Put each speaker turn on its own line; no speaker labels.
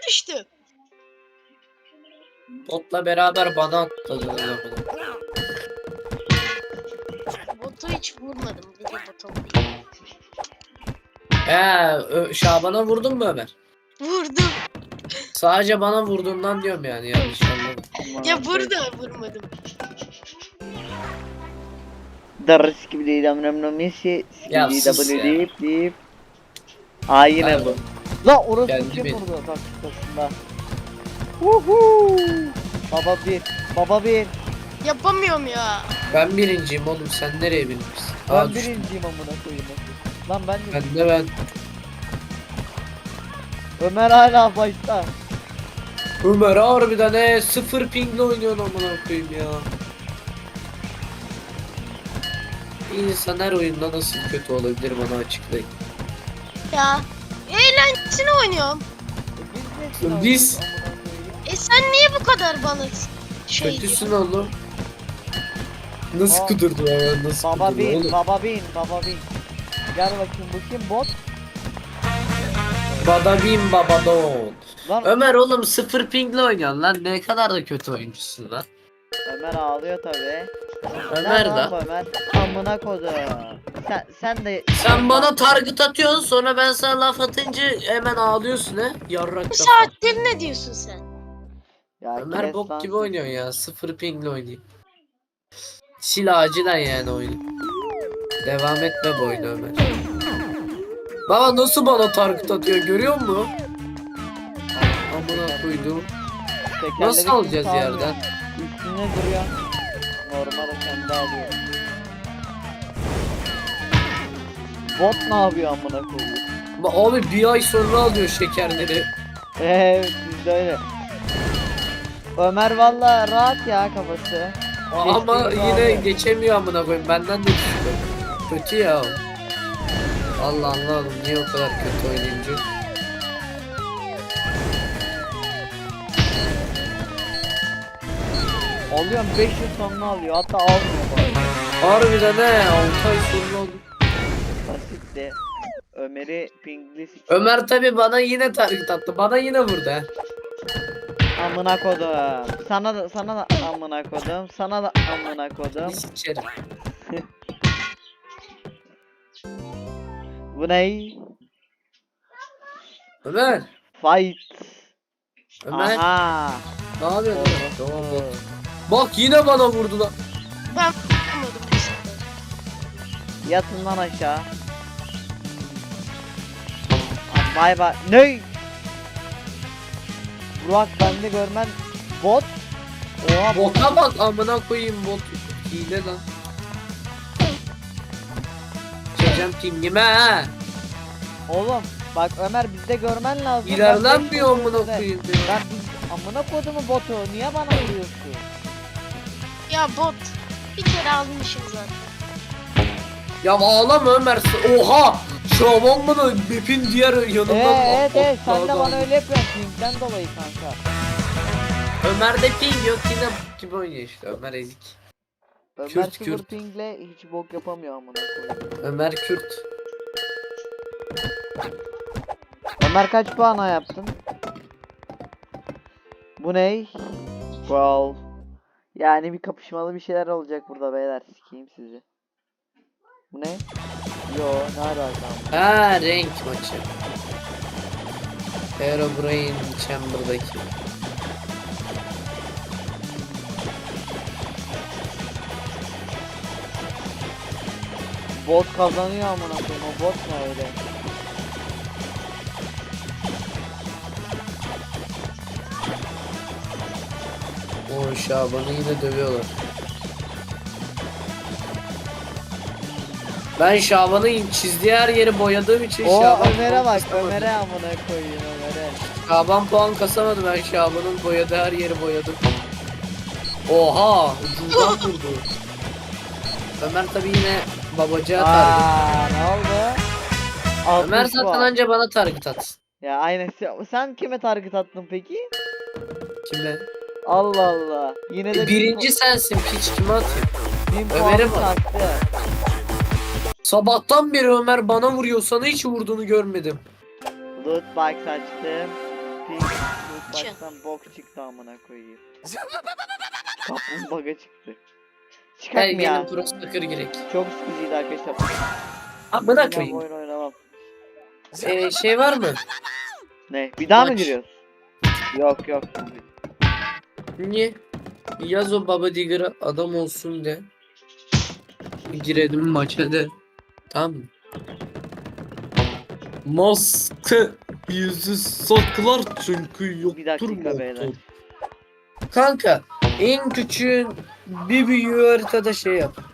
düştü.
Botla beraber bana atladılar bunu.
Botu hiç vurmadım. Bir de bota vurayım.
Şaban'a vurdun mu Ömer?
Vurdum.
Sadece bana vurduğundan diyorum yani yanlış anlamadım.
Ya burada vurmadım.
Darıs gibi değil amramla Messi.
Ya
Skibidi
sus
double
ya.
deyip. Aa yine bu. La orası
Geldi
kim
benim.
vurdu taktikasında. Huhu. Baba bir. Baba bir.
Yapamıyorum ya.
Ben birinciyim oğlum, sen nereye bilmişsin?
Ben
Düştüm.
birinciyim amına koyayım. Lan ben de.
Ben.
Ömer hala başta.
Ömer harbiden sıfır pingle oynuyorsun amına koyayım ya. Bir insan her oyunda nasıl kötü olabilir bana açıklayın.
Ya. Eğlencesine oynuyorum.
Biz-
Sen niye bu kadar bana şey
Kötüsün
diyorsun?
oğlum. Nasıl
Aa.
kudurdu ya, nasıl
Baba
kudurdu
bin,
oğlum?
baba bin, baba bin. Gel bakayım bu kim bot?
Badabim babadon.
Lan
Ömer oğlum sıfır pingle oynuyorsun lan, ne kadar da kötü oyuncusun lan.
Ömer ağlıyor tabi.
Ömer
Lan
de.
Ömer amına kodu. Sen de
Sen bana target atıyorsun, sonra ben sana laf atınca hemen ağlıyorsun he. Yarrak
Bu
kafa.
saattir ne diyorsun sen?
ya
Ömer
kes
bok
lan
gibi
seni.
oynuyorsun ya, sıfır pingle oynayayım. Sil acilen yani oyunu. Devam etme bu oyunu Ömer. Baba nasıl bana target atıyor, görüyor musun? Amına koydum.
Tekerleri
Nasıl alacağız
kimse
yerden?
almıyor. Üstüne duruyor. Normal kendi alıyor. Bot ne yapıyor amına koyuyor?
Abi bir ay sonra alıyor şekerleri.
Evet bizde öyle. Ömer valla rahat ya kafası.
Ama
Geçtiği
yine
alıyor.
geçemiyor amına koyayım. Benden de düştü. Kötü ya. Allah anladım niye o kadar kötü oynayınca.
Alıyorum 5 yıl sonra alıyor hatta almıyor bana.
Harbiden 6 ay sonra oldu.
Basit de. Ömer'i pingli
Ömer tabi bana yine target attı. Bana yine vurdu he.
amına kodum. Sana da amına kodum. Sana da amına kodum.
Biz içerim.
Bu ne?
Ömer.
Fight.
Ömer.
Aha.
Ne yapıyorsun?
Oldu.
Tamam bak. Bak yine bana vurdu lan.
Ben vurmadım bu sefer.
Yatın lan aşağı. Bay bay. Ne? Burak bende görmen bot. Oha bot.
Bota bak amına koyayım, bot. Hile lan. Çekeceğim pingime ha.
Oğlum bak Ömer bizde görmen lazım.
İlerlenmiyor
Ben
amına
beş
koyayım
yıl
ya.
Ben biz amına kodumu botu. Niye bana vuruyorsun?
Ya bot. Bir kere almışım zaten.
Ya ağlama Ömer. Oha! Şaban bana map'in diğer yanından
Evet sen de
atladı.
bana öyle yapıyorsun pinkten dolayı kanka.
Ömer'de ping yok, yine bok gibi oynuyor işte. Ömer ezik.
Ömer
Kürt,
sıfır
Kürt.
pingle hiç bok yapamıyor amına koyayım.
Ömer Kürt.
Ömer kaç puana yaptın? Bu ne? Wow. Yani bir kapışmalı bir şeyler olacak burada beyler. Sikeyim sizi. Bu ne? Yo ne alaka?
Ha, renk maçı. Herobrine Chamber'daki.
Bot kazanıyor amına koyayım. O bot ne öyle?
O Şaban'ı yine dövüyorlar. Ben Şaban'ın çizdiği her yeri boyadığım için
O
Şaban
Ömer'e
puan
bak.
kasamadı.
Ömer'e amına koyayım Ömer'e.
Şaban puan kasamadı, ben Şaban'ın boyadığı her yeri boyadım. Oha! Ucundan vurdu. Ömer tabi yine babacağı target.
Aaa ne oldu?
Ömer
60
zaten
puan.
anca bana target atsın.
Ya aynen. Sen kime target attın peki?
Kime?
Allah Allah. Yine de
Birinci sensin, piç kime atayım?
bin
Ömer'e
puanı
bak.
sattı.
Sabahtan beri Ömer bana vuruyor, sana hiç vurduğunu görmedim.
Loot box açtım. Pink
için.
baştan bok çıktı amına koyayım. Kaplumbağa çıktı.
Her
Çıkart mı ya?
gelin pro soccer girek.
Çok sıkıcıydı arkadaşlar.
Amına
Ben
koyayım.
oyun oynamam.
Şey var mı?
Ne? Bir daha mı
Maç.
giriyoruz? Yok yok.
Niye? Yaz o Baba Digger'a adam olsun de. Girelim maça de. Tamam mı? Maske yüzü saklar çünkü yoktur
Bir dakika
motor.
beyler.
Kanka en küçüğün bir büyüğü haritada şey yap.